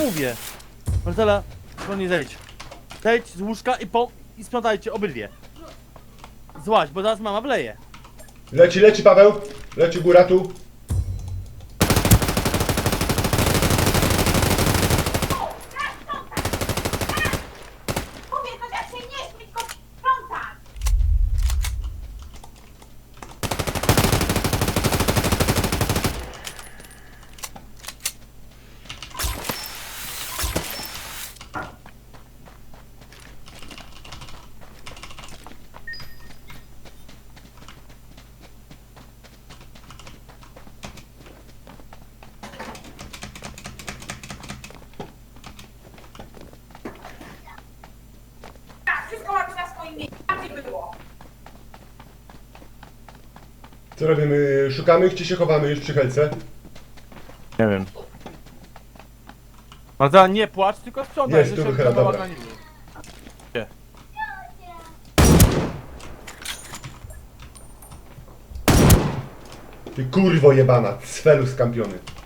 mówię. Marcela, nie zejdź. Zejdź z łóżka i sprzątajcie obydwie. Złaź, bo zaraz mama wleje. Leci Paweł. Leci góra tu. Wszystko ma być na swoim miejscu, tam nie było. Co robimy? Szukamy, gdzie się chowamy już przy helce? Nie wiem. Marcela, nie płacz, tylko sprzątaj. Jest, że tu się wychyla, dobra. bałaganiły. Nie. Ty kurwo jebana, cfelu skampiony.